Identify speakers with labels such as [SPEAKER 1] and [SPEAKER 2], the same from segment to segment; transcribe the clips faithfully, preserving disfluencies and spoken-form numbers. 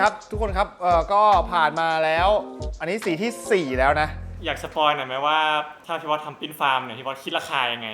[SPEAKER 1] ครับทุกคนครับเอ่อก็ผ่านมาแล้วอันนี้สีที่สี่แล้วนะ
[SPEAKER 2] อยากสปอยหน่อยไหมว่าถ้าพี่วอดทำปิ้นฟาร์มเนี่ยพี่วอดคิดราคายังไง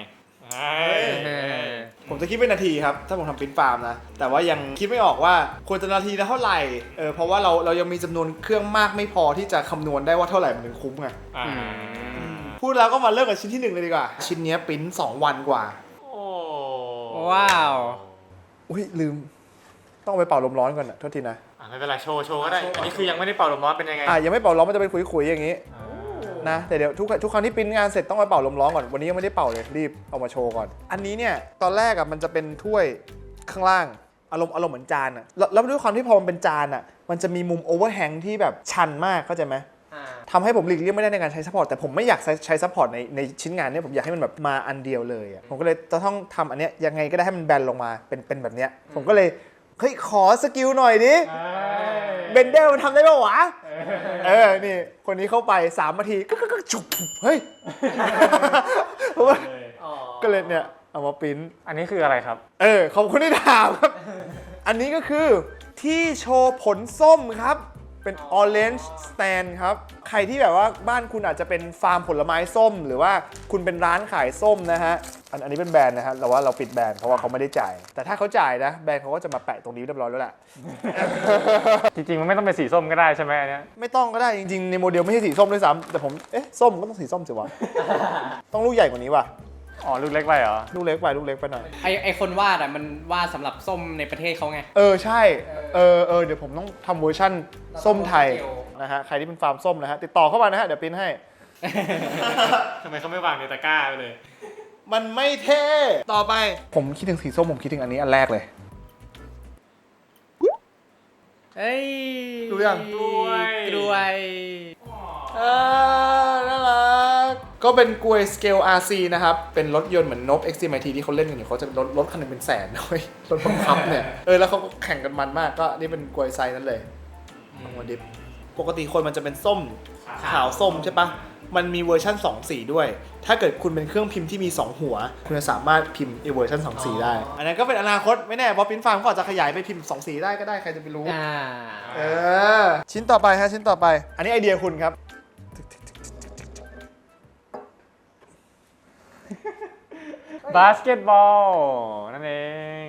[SPEAKER 1] ผมจะคิดเป็นนาทีครับถ้าผมทำปิ้นฟาร์มนะแต่ว่ายังคิดไม่ออกว่าควรจะนาทีละเท่าไหร่เออเพราะว่าเราเรายังมีจำนวนเครื่องมากไม่พอที่จะคำนวณได้ว่าเท่าไหร่มันถึงคุ้มไงพูดแล้วก็มาเริ่มกับชิ้นที่หนึ่งเลยดีกว่าชิ้นนี้ปิ้นสองวันกว่า
[SPEAKER 2] โอ้
[SPEAKER 3] ว้าว
[SPEAKER 1] อุ้ยลืมต้องไปเป่าลมร้อนก่อนนะโทษทีนะ
[SPEAKER 2] อ่ะไม่เป็นไรโชว์โชว์ก็ได้อันนี้คือยังไม่ได้เป่าลมร้อนเป็นยังไง
[SPEAKER 1] อ่ะยังไม่เป่าร้อนมันจะเป็นขุยๆอย่างนี้นะแต่เดี๋ยวทุกทุกครั้งที่ปริ้นงานเสร็จต้องไปเป่าลมร้อนก่อนวันนี้ยังไม่ได้เป่าเลยรีบเอามาโชว์ก่อนอันนี้เนี่ยตอนแรกอ่ะมันจะเป็นถ้วยข้างล่างอารมณ์อารมณ์เหมือนจานอ่ะแล้วแล้วด้วยความที่พอมันเป็นจานอ่ะมันจะมีมุมโอเวอร์แฮงที่แบบชันมากเข้าใจไหมทำให้ผมหลีกเลี่ยงไม่ได้ในการใช้ซัพพอร์ตแต่ผมไม่อยากใช้ใช้ซัพพอร์ตในในชิ้นงานเนี่ยผมอยากให้มันแบบมาอันเดียวเลยอ่ะผมก็เลยจะต้องทำอันเนี้ยยังไงก็ได้ให้มันแบนลงมาเป็นเป็นแบบเนี้ยผมก็เลยเฮ้ยขอสกิลหน่อยดิเบนเดอร์มันทำได้ป่าววะเออนี่คนนี้เข้าไปสามนาทีก็ก็จุบเฮ้ยก็เลยเนี่ยเอามาปริ้น
[SPEAKER 2] อันนี้คืออะไรครับ
[SPEAKER 1] เออขอบคุณที่ถามครับอันนี้ก็คือที่โชว์ผลส้มครับเป็น orange stand ครับใครที่แบบว่าบ้านคุณอาจจะเป็นฟาร์มผลไม้ส้มหรือว่าคุณเป็นร้านขายส้มนะฮะอันอันนี้เป็นแบรนด์นะฮะแต่ว่าเราปิดแบรนด์เพราะว่าเขาไม่ได้จ่ายแต่ถ้าเขาจ่ายนะแบรนด์เขาก็จะมาแปะตรงนี้เรียบร้อยแล้วแหละ
[SPEAKER 2] จริงๆมันไม่ต้องเป็นสีส้มก็ได้ใช่ไหมอันนี้
[SPEAKER 1] ไม่ต้องก็ได้จริงๆในโมเดลไม่ใช่สีส้มด้วยซ้ำแต่ผมเอ๊ะส้มก็ต้องสีส้มสิวะต้องลูกใหญ่กว่านี้ว่ะ
[SPEAKER 2] อ๋อลูกเล็กไปเหรอ
[SPEAKER 1] ลูกเล็กไปลูกเล็กไปหน่อย
[SPEAKER 3] ไอไอคนวาดอ่ะมันวาดสำหรับส้มในประเทศเขาไง
[SPEAKER 1] เออใช่เออเออเดี๋ยวผมต้องทำเวอร์ชั่นส้มไทยนะฮะใครที่เป็นฟาร์มส้มนะฮะติดต่อเข้ามานะฮะเดี๋ยวปริ้นให้
[SPEAKER 2] ทำไมเขาไม่วางในตะกร้าไปเลย
[SPEAKER 1] มันไม่เท่ต่อไปผมคิดถึงสีส้มผมคิดถึงอันนี้อันแรกเลย
[SPEAKER 3] เฮ้ย
[SPEAKER 1] ดูยัง
[SPEAKER 2] กล้วย
[SPEAKER 3] กล้วย
[SPEAKER 1] เออน่ารักก็เป็นกลวยสเกล อาร์ ซี นะครับเป็นรถยนต์เหมือนนบ เอ็กซ์ ที เอ็ม ไอ ที ที่เขาเล่นกันอยู่เขาจะรถรถคันนึงเป็นแสนด้วยรถบังคับเนี่ยเออแล้วเขาก็แข่งกันมันมากก็นี่เป็นกลวยไซส์นั้นเลยของวันดิฟปกติคนมันจะเป็นส้มขาวส้มใช่ปะมันมีเวอร์ชันสองสีด้วยถ้าเกิดคุณเป็นเครื่องพิมพ์ที่มีสองหัวคุณจะสามารถพิมพ์อีเวอร์ชันสองสีได้อันนั้นก็เป็นอนาคตไม่แน่เพราะปริ้นฟาร์มก็อาจจะขยายไปพิมพ์สองสีได้ก็ได้ใครจะไปรู้เออชิ้นต่อไปฮะชิ้นต่อไปอันนี้ไอเดียคุณครับ
[SPEAKER 2] บาสเกตบอลนั่นเอง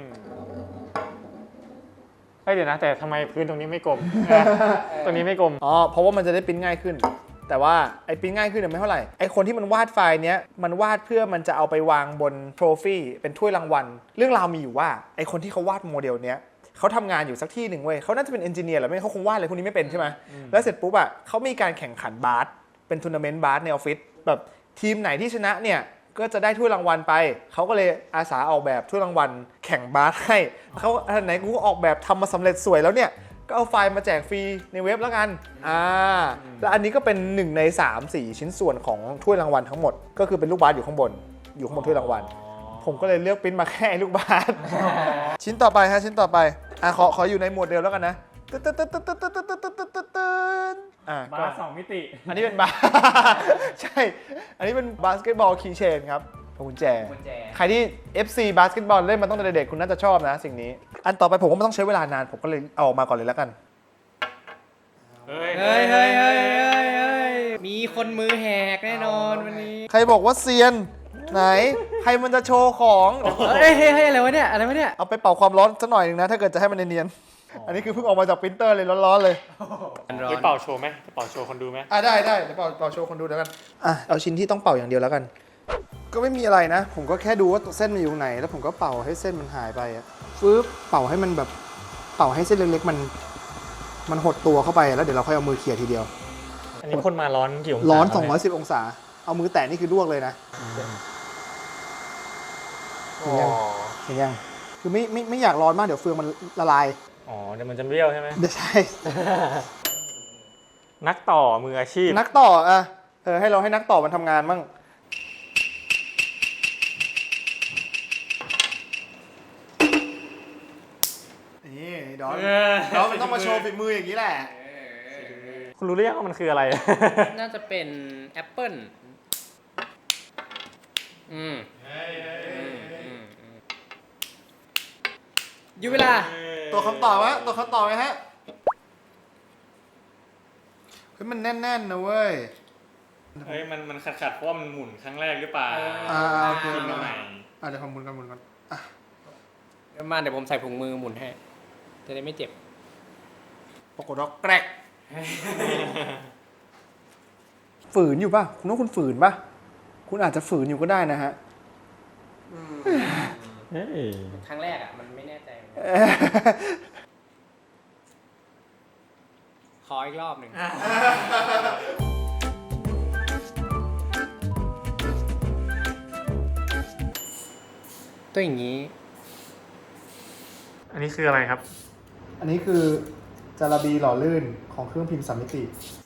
[SPEAKER 2] เฮ้ยเดี๋ยวนะแต่ทำไมพื้นตรงนี้ไม่กลม ตรงนี้ไม่กลม
[SPEAKER 1] อ๋อเพราะว่ามันจะได้ปริ้นง่ายขึ้นแต่ว่าไอ้ปริ้นง่ายขึ้นเนี่ยไม่เท่าไหร่ไอ้คนที่มันวาดไฟล์เนี้ยมันวาดเพื่อมันจะเอาไปวางบนโทรฟี่เป็นถ้วยรางวัลเรื่องราวมีอยู่ว่าไอ้คนที่เขาวาดโมเดลเนี้ยเขาทำงานอยู่สักที่หนึ่งเว้ยเขาน่าจะเป็นเอนจิเนียร์หรือไม่เขาคงวาดอะไรพวกนี้ไม่เป็นใช่ไหมแล้วเสร็จปุ๊บอ่ะเขามีการแข่งขันบาสเป็นทัวร์นาเมนต์บาสในออฟฟิศแบบทีมไหนที่ชนะเนี่ยก็จะได้ถ้วยรางวัลไปเขาก็เลยอาสาออกแบบถ้วยรางวัลแข่งบาสให้เขาอันไหนกูก็ออกแบบทำมาสำเร็จสวยแล้วเนี่ยก็เอาไฟล์มาแจกฟรีในเว็บแล้วกันอ่าแล้วอันนี้ก็เป็นหนึ่งในสาม สี่ชิ้นส่วนของถ้วยรางวัลทั้งหมดก็คือเป็นลูกบาสอยู่ข้างบนอยู่ข้างบนถ้วยรางวัลผมก็เลยเลือกปริ้นมาแค่ลูกบาสชิ้นต่อไปฮะชิ้นต่อไปอ่ะขอขออยู่ในหมวดเดียวแล้วกันนะอ่ะ
[SPEAKER 2] บาสสองมิติ
[SPEAKER 1] อันนี้เป็นบาสใช่อันนี้เป็นบาสเกตบอลคีย์เชนครับกุญแจใครที่ เอฟ ซี บาสเกตบอลเล่นมาตั้งแต่เด็กคุณน่าจะชอบนะสิ่งนี้อันต่อไปผมก็ไม่ต้องใช้เวลานานผมก็เลยเอาออกมาก่อนเลยแล้วกัน
[SPEAKER 2] เฮ้ย
[SPEAKER 3] เฮ้ยเฮ้ยเฮ้ยเฮ้ยมีคนมือแหกแน่นอนวันนี้
[SPEAKER 1] ใครบอกว่าเซียนไหนใครมันจะโชว์ของ
[SPEAKER 3] เฮ้ยเฮ้ยอะไรวะเนี่ยอะไรวะเนี่ย
[SPEAKER 1] เอาไปเป่าความร้อนสักหน่อยนึงนะถ้าเกิดจะให้มันเนียนๆอันนี้คือเพิ่งออกมาจากปรินเตอร์เลยร้อนๆเลย
[SPEAKER 2] ไปเป่าโชว์ไหมเป่าโชว์คนดูไหม
[SPEAKER 1] อ่ะได้ได้เดี๋ยวเป่าเป่าโชว์คนดูเดี๋ยวกันอ่ะเอาชิ้นที่ต้องเป่าอย่างเดียวแล้วกันก็ไม่มีอะไรนะผมก็แค่ดูว่าเส้นมันอยู่ไหนแล้วผมก็เป่าให้เส้นมันหายไปอ่ะปึ๊บเป่าให้มันแบบเป่าให้เส้นเล็กๆมันมันหดตัวเข้าไปแล้วเดี๋ยวเราค่อยเอามือเขี่ยทีเดียว
[SPEAKER 2] อันนี้พ่นมาร้อนกี่องศา
[SPEAKER 1] ร้อนสองร้อยสิบองศาเอามือแตะนี่คือลวกเลยนะเห็นยังเห็นยังคือไม่ไม่ไม่อยากร้อนมากเดี๋ยวเฟืองมันละลาย
[SPEAKER 2] อ๋อเดี๋ยวมันจะเบี้ยวใช่ไหม
[SPEAKER 1] ใช่
[SPEAKER 2] นักต่อมืออาชีพ
[SPEAKER 1] นักต่ออ่ะเออให้เราให้นักต่อมันทำงานมั่งนี่ดอนดอนมันต้องมาโชว์ฝีมืออย่างนี้แหละ
[SPEAKER 2] คุณรู้หรือยังว่ามันคืออะไร
[SPEAKER 3] น่าจะเป็นแอปเปิ้ลอืมอยู่เวลา
[SPEAKER 1] ตัวคำตอบวะตัวคำตอบไหมฮะฮ้ยมันแน่นๆนะเว้ย
[SPEAKER 2] เฮ้ยมันมันขัดขัดๆเพราะว่ามันหมุนครั้งแรกหรือเปล่า
[SPEAKER 1] อ่าโอเค
[SPEAKER 2] กินมาใหม่
[SPEAKER 1] อ่ะเดี๋ยวผมหมุนกันหมุนกันอ่ะ
[SPEAKER 3] เดี๋ยวมาเดี๋ยวผมใส่ถุงมือหมุนให้ จะได้ไม่เจ็บ
[SPEAKER 1] ปรากฏว่าแกรกฝืนอยู่ป่ะ คุณว่าคุณฝืนป่ะ คุณอาจจะฝืนอยู่ก็ได้นะฮะ
[SPEAKER 2] เฮ้ย
[SPEAKER 3] ครั้งแรกอ่ะ มันไม่แน่ใจเหมือนกันขออีกรอบหนึ่ง ตัวอย่างนี้
[SPEAKER 2] อันนี้คืออะไรครับ
[SPEAKER 1] อันนี้คือจาระบีหล่อลื่นของเครื่องพิมพ์สามมิติ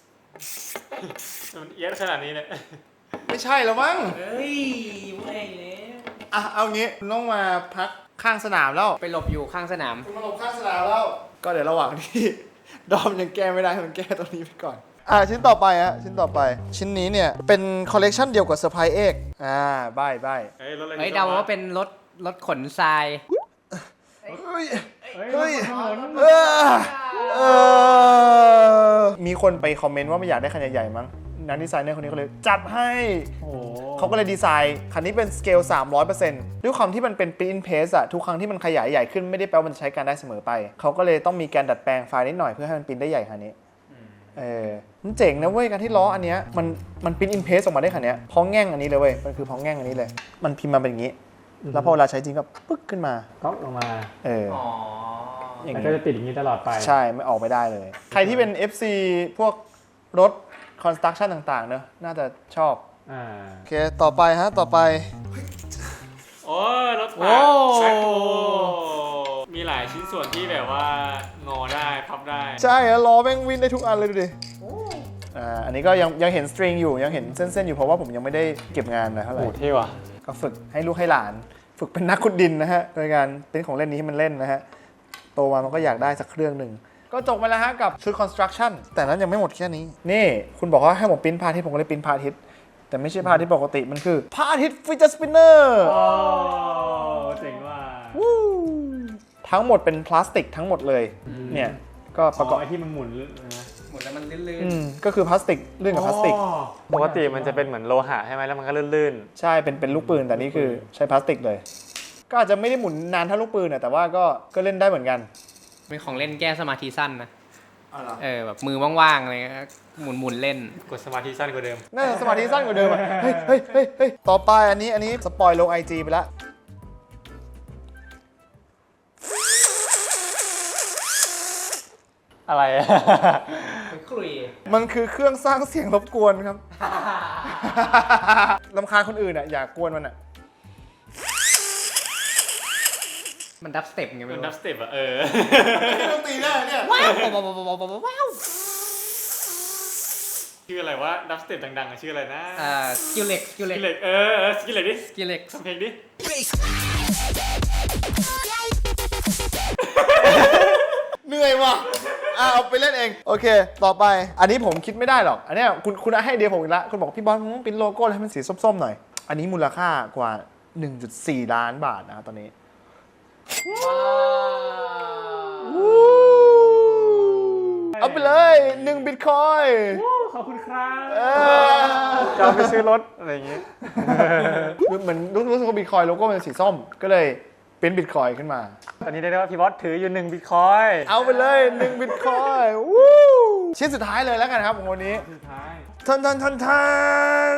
[SPEAKER 2] มันเอียดขนาดนี้เนี่ย
[SPEAKER 1] ไม่ใช่แล้วมั้ง
[SPEAKER 3] เฮ้ยไม่แล้ว
[SPEAKER 1] อ่ะเอางี้คุณต้องมาพักข้างสนามแล้ว
[SPEAKER 3] ไปหลบอยู่ข้างสนาม
[SPEAKER 1] คุณมาหลบข้างสนามแล้ว ก็เดี๋ยวระหว่างที่ ดอมยังแก้ไม่ได้มันแก้ตรงนี้ไปก่อน อ่าชิ้นต่อไปฮะชิ้นต่อไป ชิ้นนี้เนี่ยเป็นคอลเลกชันเดียวกับเซอร์ไพรส์เอกอ่าใบใบ
[SPEAKER 2] เฮ้ยรถอะไร
[SPEAKER 3] เฮ้ยเดาว่าเป็นรถรถขนทราย
[SPEAKER 1] เฮ้ย
[SPEAKER 2] เฮ้ย
[SPEAKER 1] เฮ้ย
[SPEAKER 2] รถถนน
[SPEAKER 1] เออเออมีคนไปคอมเมนต์ว่าไม่อยากได้คันใหญ่ๆมั้งนักดีไซเนอร์คนนี้ก็เลยจัดให้
[SPEAKER 2] โอ้โห
[SPEAKER 1] เขาก็เลยดีไซน์คันนี้เป็นสเกล สามร้อยเปอร์เซ็นต์ ด้วยความที่มันเป็น print in paste อะทุกครั้งที่มันขยายใหญ่ขึ้นไม่ได้แปลว่ามันจะใช้การได้เสมอไป เขาก็เลยต้องมีการดัดแปลงไฟล์นิดหน่อยเพื่อให้มันปริ้นได้ใหญ่คันนี้เออมันเจ๋งนะเว้ยการที่ล้ออันเนี้ยมันมัน print in paste ออกมาได้คันเนี้ยพ้องแง่งอันนี้เลยเว้ยมันคือพ้องแง่งอันนี้เลย มันพิมพ์มาเป็นอย่างนี้ แล้วพอเวลาใช้จริงก็ปึ๊กขึ้นมา
[SPEAKER 2] ก๊อกลงมา
[SPEAKER 1] เออ
[SPEAKER 3] อ๋อ
[SPEAKER 1] อย่าง
[SPEAKER 2] แล้ว
[SPEAKER 1] นี้
[SPEAKER 2] ก็จะติดอย่างนี้ตลอดไป
[SPEAKER 1] ใช่ไม่ออกไม่ได้เลย ใครที่เป็น เอฟ ซี พวกรถ construction ต่างๆเนอะน่าจะชอบ
[SPEAKER 2] อ่า
[SPEAKER 1] โอเคต่อไปฮะต่อไป
[SPEAKER 2] โอ้ยรถ
[SPEAKER 3] โอ้
[SPEAKER 2] แบ็คโฮมีหลายชิ้นส่วนที่แบบว่างอได้พับได้
[SPEAKER 1] ใช่อะล้อแม่งวิ่งได้ทุกอันเลยดูดิอ่าอันนี้ก็ยังยังเห็นสตริงอยู่ยังเห็นเส้นๆอยู่เพราะว่าผมยังไม่ได้เก็บงานนะเท่าไห
[SPEAKER 2] โอ้
[SPEAKER 1] ร่
[SPEAKER 2] โหเท่ว่ะ
[SPEAKER 1] ก็ฝึกให้ลูกให้หลาน ฝึกเป็นนักขุดดินนะฮะโดยการเป็นของเล่นนี้ให้มันเล่นนะฮะโตมามันก็อยากได้สักเครื่องหนึ่งก็จบไปแล้วฮะกับชุด construction แต่นั้นยังไม่หมดแค่นี้ นี่คุณบอกว่าให้ผมปริ้นพาทิตย์ผมก็เลยปริ้นพาทิตย์แต่ไม่ใช่พาทิตย์ปกติมันคือพาทิตย์ฟิชเจอร์สปินเนอร์
[SPEAKER 2] โอ้เจ๋งว่ะ
[SPEAKER 1] ทั้งหมดเป็นพลาสติกทั้งหมดเลยเนี่ยก็ประกอบ
[SPEAKER 2] ไอ้ที่มันหมุนนะ
[SPEAKER 3] หมดแล้วมันลื่น
[SPEAKER 1] อืมก็คือพลาสติกเรื่องกับพลาสติก
[SPEAKER 2] ปกติมันจะเป็นเหมือนโลหะใช่ไหมแล้วมันก็ลื่น
[SPEAKER 1] ใช่เป็นเป็นลูกปืนแต่นี่คือใช้พลาสติกเลย ก็อาจจะไม่ได้หมุนนานเท่าลูกปืนนะแต่ว่าก็ก็เล่นได้เหมือนกัน
[SPEAKER 3] ๆเป็นของเล่นแก้สมาธิสั้นนะ
[SPEAKER 1] อ๋อเหรอ
[SPEAKER 3] เออแบบมือว่างๆอะไรเงี้ยหมุนหมุนๆเล่น
[SPEAKER 2] ๆ กดสมาธิสั้นกว่าเดิม
[SPEAKER 1] น่าจะสมาธิสั้นกว่าเดิมอะเฮ้ยเฮ้ยเฮ้ยเฮ้ยต่อไปอันนี้อันนี้สปอยลงไอจีไปแล้ว
[SPEAKER 2] อะไรอะ
[SPEAKER 3] คลุย
[SPEAKER 1] มันคือเครื่องสร้างเสียงรบกวนครับ รำคาญคนอื่นอ่ะอย่ากวนมันอ่ะ
[SPEAKER 3] มันดับสเต็ปไง
[SPEAKER 2] มั
[SPEAKER 3] ไม่
[SPEAKER 2] น
[SPEAKER 3] รู้
[SPEAKER 2] ดับสเต็ปอะเออ
[SPEAKER 1] ต้องตีได้เนี่ย
[SPEAKER 3] ว้าวว้าวว้าวว้าวว้าวว้าว
[SPEAKER 2] ชื่ออะไรวะดับสเต็ปดังๆอะชื่ออะไรนะ
[SPEAKER 3] อ่าสกิลเล็กสกิล
[SPEAKER 2] ส
[SPEAKER 3] เล็
[SPEAKER 2] กิ
[SPEAKER 3] ก
[SPEAKER 2] ลเล็กเออเออสกิลเล็กดิ
[SPEAKER 3] สกิลเล็ก
[SPEAKER 2] ทำเพลงดิ
[SPEAKER 1] เหนื่อยว่ะอ่ะเอาไปเล่นเอง โอเค ต่อไป อันนี้ผมคิดไม่ได้หรอก อันเนี้ยคุณคุณให้ไอเดียผมอีกแล้วคุณบอกพี่บอลมึงต้องปริ้นโลโก้ให้มันสีส้มๆหน่อย อันนี้มูลค่ากว่า หนึ่งจุดสี่ ล้านบาทนะครับตอนนี้ เอาไปเลยหนึ่งบิตคอย
[SPEAKER 2] ขอบคุณครับ
[SPEAKER 1] เออ
[SPEAKER 2] จะเอาไปซื้อรถอะไรอย่างงี้
[SPEAKER 1] เหมือนรู้รู้สึกว่าบิตคอยโลโก้เป็นสีส้ม ก็เลยเป็นบิตคอยขึ้นมา
[SPEAKER 2] ตอนนี้ได้ได้ว่าพี่บอสถืออยู่หนึ่งบิตคอย
[SPEAKER 1] เอาไปเลยหนึ่งบิตคอยวู้ชิ้นสุดท้ายเลยแล้วกันครับของวันนี้
[SPEAKER 2] สุดท้าย
[SPEAKER 1] ทันทันทันทัน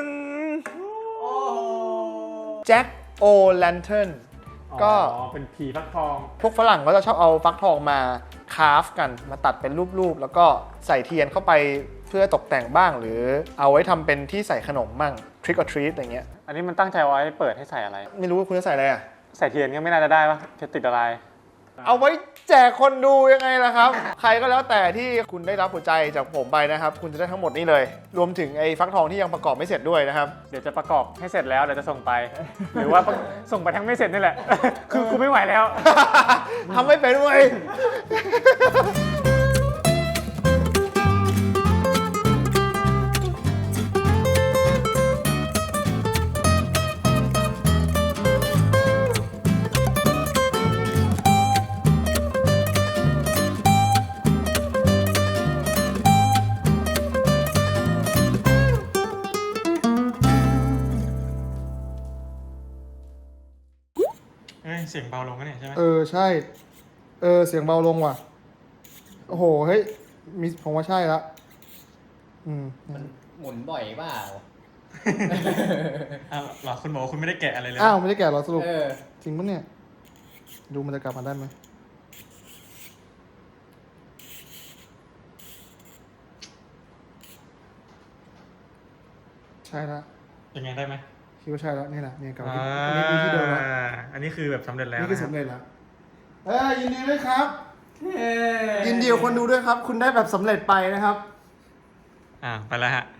[SPEAKER 1] แจ็คโอแลนเทิร์นก็
[SPEAKER 2] อ๋อเป็นผีฟักทอง
[SPEAKER 1] พวกฝรั่งก็จะชอบเอาฟักทองมาคราฟกันมาตัดเป็นรูปๆ แล้วก็ใส่เทียนเข้าไปเพื่อตกแต่งบ้าง หรือเอาไว้ทำเป็นที่ใส่ขนมมั่ง trick or treat อะไรเงี้ย
[SPEAKER 2] อันนี้มันตั้งใจไว้เปิดให้ใส่อะไร
[SPEAKER 1] ไม่รู้ว่าคุณจะใส่อะไรอ่ะ
[SPEAKER 2] ใส่เทียนก็ไม่น่าจะได้ปะจะติดอะไร
[SPEAKER 1] เอาไว้แจกคนดูยังไงล่ะครับ ใครก็แล้วแต่ที่คุณได้รับหัวใจจากผมไปนะครับ คุณจะได้ทั้งหมดนี้เลย รวมถึงไอ้ฟักทองที่ยังประกอบไม่เสร็จด้วยนะครับ
[SPEAKER 2] เดี๋ยวจะประกอบให้เสร็จแล้วเดี๋ยวจะส่งไป หรือว่าส่งไปทั้งไม่เสร็จนี่แหละ คือกูไม่ไหวแล้ว
[SPEAKER 1] ทำไม่เป็นเว้ย
[SPEAKER 2] เสียงเบาลงกันเนี่ยใช่ไหม
[SPEAKER 1] เออใช่ เออเสียงเบาลงว่ะ โอ้โหเฮ้ยมีผมว่าใช่ละอืม
[SPEAKER 3] มันหมุนบ่อยเปล่า
[SPEAKER 2] อ้าวเหรอคุณบอกว่าคุณไม่ได้แกะอะไรเลย
[SPEAKER 1] อ้าวไม่ได้แกะเหรอสรุป
[SPEAKER 3] เออ
[SPEAKER 1] จริงปะเนี่ย ดูมันจะกลับมาได้ไหมใช่ละ
[SPEAKER 2] เป็นไงได้ไหม
[SPEAKER 1] คิดว่าใช่แล้วนี่แหละเนี่ยกลับ
[SPEAKER 2] อ่
[SPEAKER 1] มาที่อันนี้มีที่เดิมแล้ว
[SPEAKER 2] าอันนี้คือแบบสำเร็จแล้ว
[SPEAKER 1] นี่คือ
[SPEAKER 2] นะ
[SPEAKER 1] สำเร็จแล้วเอ้ยยินดีด้วยครับ
[SPEAKER 3] เออ
[SPEAKER 1] ยินดีกับคนดูด้วยครับ คุณได้แบบสำเร็จไปนะครับ
[SPEAKER 2] อ่าไปแล้วฮะ